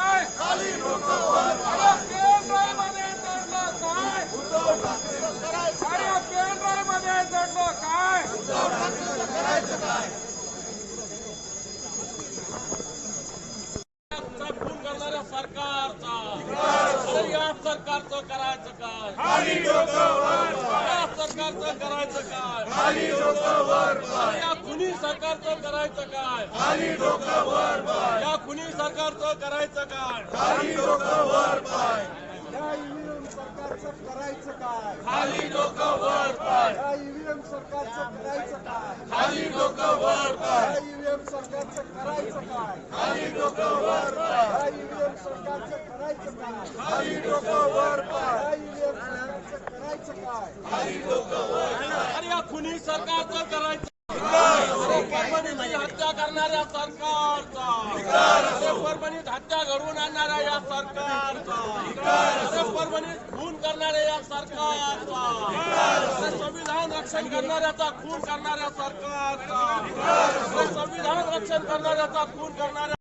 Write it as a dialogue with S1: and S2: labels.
S1: काय? अरे पेनड्राईव्हमध्ये दडलं काय? अरे पेनड्राईव्हमध्ये दडलं काय? खून करणाऱ्या सरकारचा अरे या सरकारचं करायचं काय? या सरकारचं करायचं काय? अरे या खुनी सरकारचं करायचं काय? या खुनी सरकारचं करायचं काय?
S2: या ईव्हीएम सरकारचं करायचं काय?
S1: खाली डोकं वर पाय,
S2: या ईव्हीएम सरकारचं करायचं काय?
S1: खाली डोकं वर पाय,
S2: या ईव्हीएम सरकारचं करायचं काय?
S1: खाली डोकं वर पाय,
S2: या ईव्हीएम सरकारचं करायचं काय?
S1: खाली डोकं वर पाय,
S2: या ईव्हीएम सरकारचं करायचं काय?
S1: खाली डोकं वर पाय. अरे या खुनी सरकारचं करायचं अरे परभणीची हत्या करणाऱ्या सरकारचा अरे परभणीत हत्या घडवून आणणाऱ्या या सरकारचा अरे परभणीत खून करणाऱ्या या सरकारचा अरे संविधान रक्षण करणाऱ्याचा खून करणाऱ्या सरकारचा अरे संविधान रक्षण करणाऱ्याचा खून करणाऱ्या